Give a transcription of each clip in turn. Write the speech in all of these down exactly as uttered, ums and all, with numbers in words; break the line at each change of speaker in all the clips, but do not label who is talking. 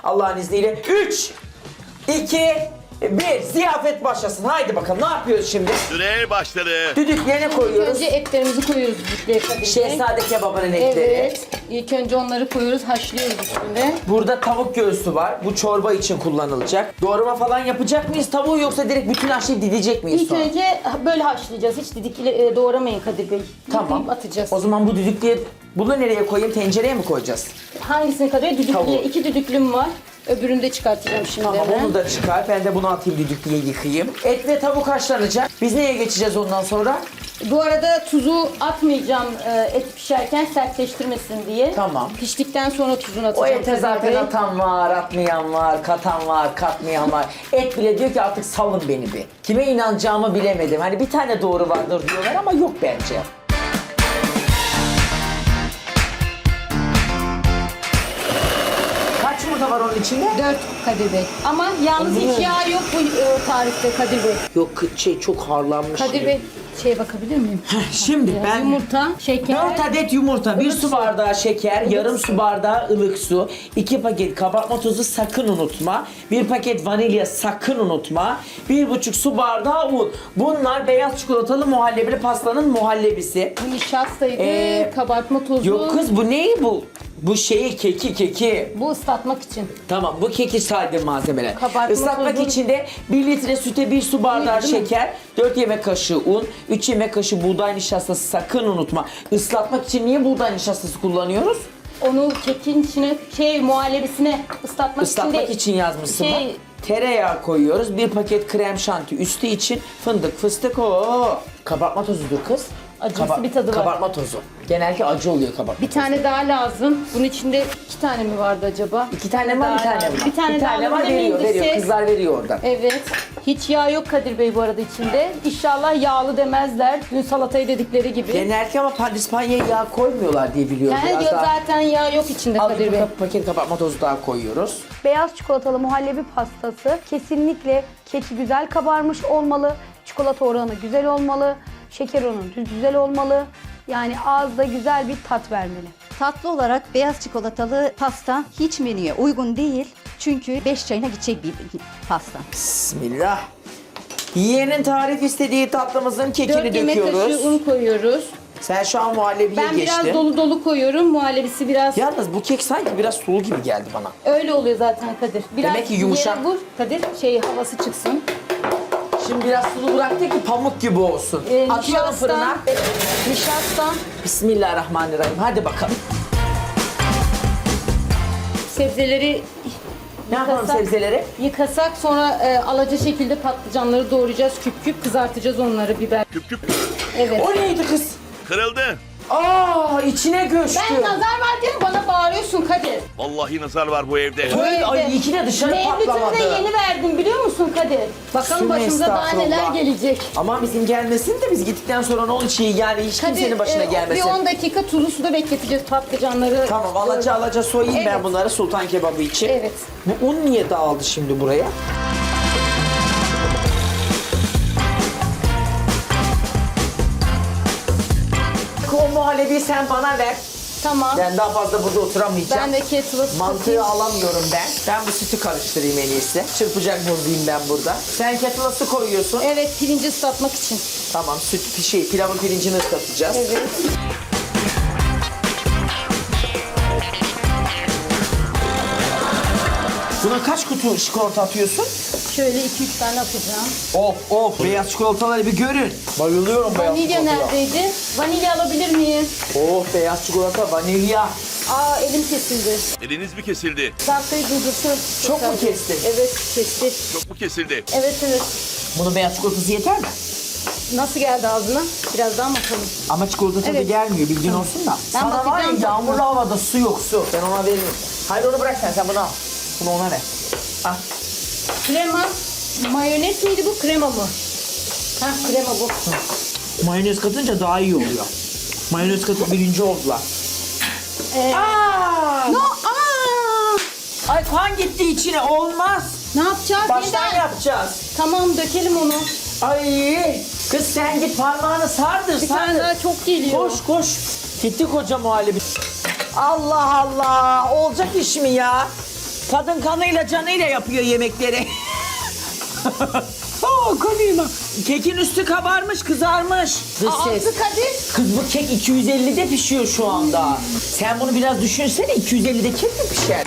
Allah'ın izniyle. üç, iki, bir. Ziyafet başlasın. Haydi bakalım. Ne yapıyoruz şimdi?
Süre başladı.
Düdüklüğe koyuyoruz.
Önce etlerimizi koyuyoruz düdüklüğe Kadir Bey.
Şehzade kebabının etleri.
Evet. İlk önce onları koyuyoruz, haşlıyoruz üstünde.
Burada tavuk göğsü var. Bu çorba için kullanılacak. Doğrama falan yapacak mıyız tavuğu yoksa direkt bütün haşlayıp didecek miyiz
İlk
sonra?
önce böyle haşlayacağız. Hiç didikli e, doğramayın Kadir Bey.
Tamam.
Yıkayıp atacağız.
O zaman bu düdüklüye bunu nereye koyayım? Tencereye mi koyacağız?
Hangisini Kadir Bey? Düdüklüye.
Tavuğu.
İki düdüklüm var. Öbürünü de çıkartacağım şimdi.
Tamam
hemen.
onu da çıkar. Ben de bunu atayım düdüklüye yıkayayım. Et ve tavuk haşlanacak. Biz neye geçeceğiz ondan sonra?
Bu arada tuzu atmayacağım e, et pişerken sertleştirmesin diye.
Tamam.
Piştikten sonra tuzunu
O
atacağım.
ete
Kadir
zaten
Bey.
atan var, atmayan var, katan var, katmayan var. Et bile diyor ki artık salın beni bir. Kime inanacağımı bilemedim. Hani bir tane doğru vardır diyorlar ama yok bence. Kaç yumurta var onun içinde?
Dört Kadir Bey. Ama yalnız hiç yağ yok bu e, tarifte Kadir Bey.
Yok şey çok harlanmış.
Kadir Bey şeye bakabilir miyim?
Şimdi ben
Yumurta, şeker.
dört adet yumurta, bir
ılık
su
su.
bardağı şeker, yarım su bardağı ılık su, iki paket kabartma tozu sakın unutma, bir paket vanilya sakın unutma, bir buçuk su bardağı un. Bunlar beyaz çikolatalı muhallebili pastanın muhallebisi.
Bu nişastaydı,
Ee,
kabartma tozu.
Yok kız bu ne bu? Bu şeyi keki keki.
Bu ıslatmak için.
Tamam bu keki saydı malzemeler.
Kabartma
Islatmak
tozu.
için de bir litre süte bir su bardağı
Değil mi?
şeker, dört yemek kaşığı un, üç yemek kaşığı buğday nişastası sakın unutma. Islatmak için niye buğday nişastası kullanıyoruz?
Onu kekin içine, şey muhallebisine ıslatmak,
Islatmak
için,
için yazmışsın
şey-
bak. Tereyağı koyuyoruz. Bir paket krem şanti üstü için fındık, fıstık o. Kabartma tozudur kız.
Acısı bir tadı var.
Kabartma tozu. Genellikle acı oluyor kabartma
Bir tane daha lazım. Bunun içinde iki tane mi vardı acaba?
İki tane var, bir
daha
tane
lazım.
var.
Bir tane, daha
var
alabilir
veriyor,
miyim?
veriyor.
Siz-
Kızlar veriyor oradan.
Evet. Hiç yağ yok Kadir Bey bu arada içinde. İnşallah yağlı demezler. Dün salatayı dedikleri gibi.
Genellikle ama pandispanyaya yağ koymuyorlar diye biliyorum.
Yani
Biraz daha-
zaten yağ yok içinde
Al
Kadir
bir
Bey.
pa- paket kabartma tozu daha koyuyoruz.
Beyaz çikolatalı muhallebi pastası kesinlikle keki güzel kabarmış olmalı. Çikolata oranı güzel olmalı. Şeker oranı güzel olmalı. Yani ağızda güzel bir tat vermeli.
Tatlı olarak beyaz çikolatalı pasta hiç menüye uygun değil. Çünkü beş çayına gidecek bir pasta.
Bismillah. Yiyenin tarif istediği tatlımızın kekini
dört yemek kaşığı
döküyoruz.
un koyuyoruz.
Sen şu an muhallebiye
Ben
geçtin.
biraz dolu dolu koyuyorum. Muhallebisi biraz
Yalnız bu kek sanki biraz sulu gibi geldi bana.
öyle oluyor zaten Kadir. Biraz
Demek ki yumuşak.
yere vur Kadir. Şey havası çıksın.
Şimdi biraz sulu bıraktı ki pamuk gibi olsun.
Ee,
Atıyorum fırına.
Nişasta,
Bismillahirrahmanirrahim. Hadi bakalım.
sebzeleri
Ne yapalım
Yıkasak.
sebzeleri?
yıkasak sonra e, alaca şekilde patlıcanları doğrayacağız. Küp küp kızartacağız onları biber.
Küp küp
Evet.
O neydi kız?
kırıldı.
Aa içine göçtü.
Ben nazar var diye mi bana bağırıyorsun Kadir?
Vallahi nazar var bu evde.
Öyle,
evde.
ay iyi ki de dışarı
Mevlüt'ümü
patlamadı.
de yeni verdim biliyor musun Kadir? Bakalım
Sümme
başımıza daha neler
estağfurullah.
gelecek.
Ama bizim gelmesin de biz gittikten sonra ne olur şey yani hiç kimsenin başına
e,
gelmesin.
bir on dakika tuzlu suda bekleteceğiz patlıcanları.
Tamam alaca alaca soyayım ben
Evet.
bunları sultan kebabı için.
Evet.
Bu un niye dağıldı şimdi buraya? O muhallebiyi sen bana ver.
Tamam.
Ben daha fazla burada oturamayacağım.
Ben de kettle'ı
Mantığı
ısıtayım.
alamıyorum ben. Ben bu sütü karıştırayım en iyisi. Çırpacak buradayım ben burada. Sen kettle'a su koyuyorsun.
Evet, pirinci ıslatmak için.
Tamam süt şey pilavın pirincini ıslatacağız.
Evet.
Buna kaç kutu çikolata atıyorsun?
Şöyle iki üç tane atacağım.
Of of beyaz çikolataları bir görün. Bayılıyorum beyaz
Vanilya
çikolataya.
neredeydi? Vanilya alabilir miyim?
Oh beyaz çikolata vanilya.
Aa, elim kesildi.
Eliniz mi kesildi?
Sahtayı durdursun.
Çok mu kestin?
Evet, kesti.
Çok mu kesildi?
Evet, evet.
Bunun beyaz çikolatası yeter mi?
Nasıl geldi ağzına? Biraz daha mı atalım?
Ama çikolata tadı
Evet.
gelmiyor bilgin olsun da.
Ben
Sana var ya
bakacağım
yağmurlu havada su yok su. Ben ona veririm. Hayır onu bırak sen sen bunu al. Bunu ona ver. Al.
Krema. Mayonez miydi bu? Krema mı? Ha, krema bu.
Mayonez katınca daha iyi oluyor. Mayonez katıp birinci oldular.
Ee,
Aa!
no, aa!
Ay kan gitti içine olmaz.
Ne yapacağız?
Baştan
Neden?
yapacağız.
Tamam, dökelim onu.
Ay kız sen git parmağını sardır
Bir tane
sardır.
daha çok geliyor.
Koş koş. Gitti koca muhallebi. Allah Allah olacak iş mi ya? Kadın kanıyla canıyla yapıyor yemekleri. Oo, kanıyla. Kekin üstü kabarmış, kızarmış. Dış ses.
Altı Kadir.
Kız bu kek iki yüz ellide pişiyor şu anda. Sen bunu biraz düşünsene, iki yüz ellide kek mi pişer?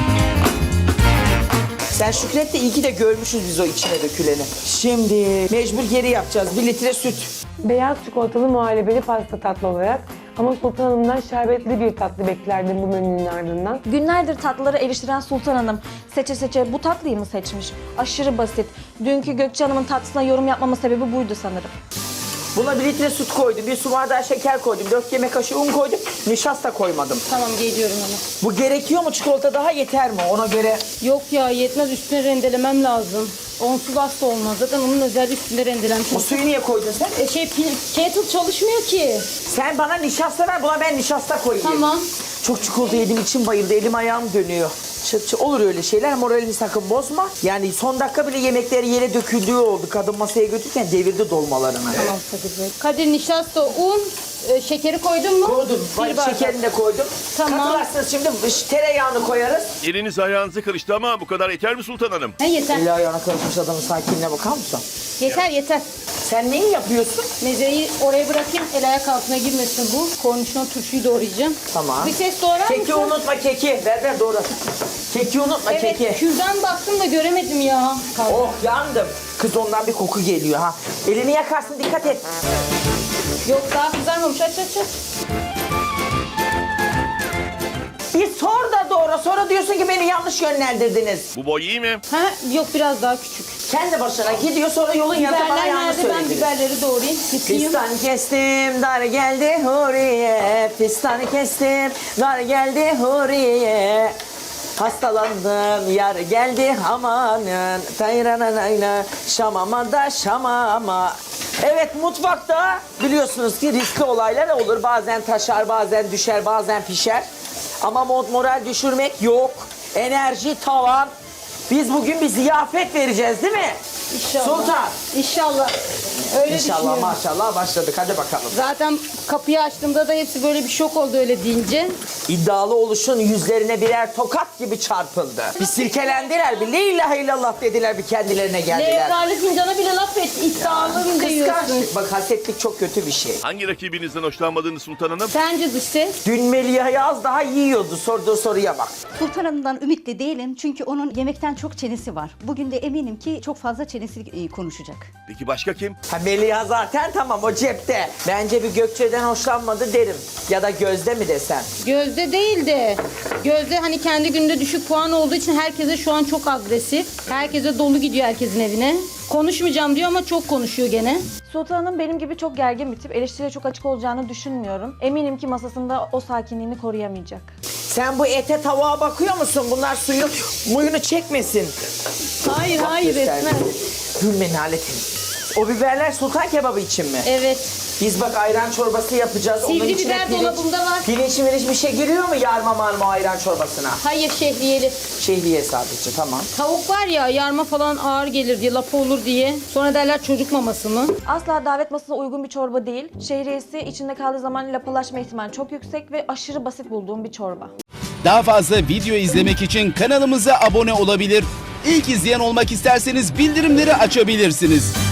Sen Şükret de iyi ki de görmüşüz biz o içine döküleni. Şimdi mecbur geri yapacağız. Bir litre süt.
Beyaz çikolatalı muhallebeli pasta tatlı olarak ama Sultan Hanım'dan şerbetli bir tatlı beklerdim bu menünün ardından.
Günlerdir tatlıları eleştiren Sultan Hanım seçe seçe bu tatlıyı mı seçmiş? Aşırı basit. Dünkü Gökçe Hanım'ın tatlısına yorum yapmama sebebi buydu sanırım.
Buna bir litre süt koydum, bir su bardağı şeker koydum, dört yemek kaşığı un koydum, nişasta koymadım.
Tamam geliyorum ama.
Bu gerekiyor mu? Çikolata daha yeter mi? Ona göre
Yok ya yetmez üstüne rendelemem lazım. Onsuz asla olmaz. Zaten onun özel üstünde rendelenmiş.
o suyu niye koydun sen?
E şey pil- kettle çalışmıyor ki.
Sen bana nişasta ver, buna ben nişasta koyayım.
Tamam.
Çok çikolata yediğim için bayıldı, elim ayağım dönüyor. Çıt çıt olur öyle şeyler, moralini sakın bozma. Yani son dakika bile yemekleri yere döküldüğü oldu. Kadın masaya götürürken devirdi dolmalarını.
Tamam Kadir Bey. Kadir nişasta, un, e, şekeri koydun mu?
Koydum,
Bir bardak.
şekerini de koydum.
Tamam.
Katılarsınız şimdi tereyağını koyarız.
Eliniz ayağınızı karıştı ama bu kadar yeter mi Sultan Hanım?
He yeter.
Eli ayağına karışmış adamın sakinliğine bakar mısın?
Yeter yeter.
Sen neyi yapıyorsun?
Mezeyi oraya bırakayım. El ayak altına girmesin bu. Kornişon turşuyu doğrayacağım.
Tamam.
Bir ses doğrar
Keki
mısın?
unutma keki. Ver ver doğru. Keki unutma
Evet,
keki.
kürdan baktım da göremedim ya.
Oh yandım. Kız ondan bir koku geliyor ha. Elini yakarsın dikkat et.
Yok daha kızarmamış. Aç aç aç.
Bir sor da doğru. Sonra diyorsun ki beni yanlış yönlendirdiniz.
Bu boy iyi mi?
Ha yok biraz daha küçük.
Kendi başına gidiyor sonra yolun yanında bana
Biberler
yanlış
nerede? Ben
söylediniz.
biberleri doğrayayım. Yıkayayım.
Fistan kestim, dar geldi huriye. Fistan kestim, dar geldi huriye. Hastalandım, yar geldi amanın. Tayrananayla, şamama da şamama. Evet mutfakta biliyorsunuz ki riskli olaylar olur. Bazen taşar, bazen düşer, bazen pişer. Ama mod moral düşürmek yok. Enerji tavan. Biz bugün bir ziyafet vereceğiz değil mi?
İnşallah.
Sultan.
İnşallah. Öyle
İnşallah
düşünüyorum.
maşallah başladık. Hadi bakalım.
Zaten kapıyı açtığımda da hepsi böyle bir şok oldu öyle deyince.
İddialı oluşun yüzlerine birer tokat gibi çarpıldı. Bir silkelendiler, bir la ilahe illallah dediler, bir kendilerine geldiler.
Levralı fincana bile laf et. İddialı mı diyorsun?
Kıskançlık, bak hasetlik çok kötü bir şey.
Hangi rakibinizden hoşlanmadınız Sultan Hanım?
Sence dış ses?
Dün Meliha'yı az daha yiyordu, sorduğu soruya bak.
Sultan Hanım'dan ümitli değilim çünkü onun yemekten çok çenesi var. Bugün de eminim ki çok fazla çenesi e, konuşacak.
Peki başka kim?
Ha Meliha zaten tamam o cepte. Bence bir Gökçe'den hoşlanmadı derim. Ya da Gözde mi desem.
Gözde değil de Gözde hani kendi günde düşük puan olduğu için herkese şu an çok agresif. Herkese dolu gidiyor herkesin evine. Konuşmayacağım diyor ama çok konuşuyor gene.
Sultan Hanım benim gibi çok gergin bir tip. Eleştiriye çok açık olacağını düşünmüyorum. Eminim ki masasında o sakinliğini koruyamayacak.
Sen bu ete tavuğa bakıyor musun? Bunlar suyu muyunu çekmesin.
Hayır hayır
Göster.
etmez.
Gülmenin aletin. O biberler sultan kebabı için mi?
Evet.
Biz bak ayran çorbası yapacağız.
Sivri
Onun içine
biber
pirinç-
dolabımda var.
Pirinç miriç bir şey giriyor mu yarma marma ayran çorbasına?
Hayır şehriyeli.
Şehriye sadece tamam.
Tavuk var ya yarma falan ağır gelir diye lapa olur diye. Sonra derler çocuk maması mı?
Asla davet masasına uygun bir çorba değil. Şehriyesi içinde kaldığı zaman lapalaşma ihtimali çok yüksek ve aşırı basit bulduğum bir çorba.
Daha fazla video izlemek için kanalımıza abone olabilir. İlk izleyen olmak isterseniz bildirimleri açabilirsiniz.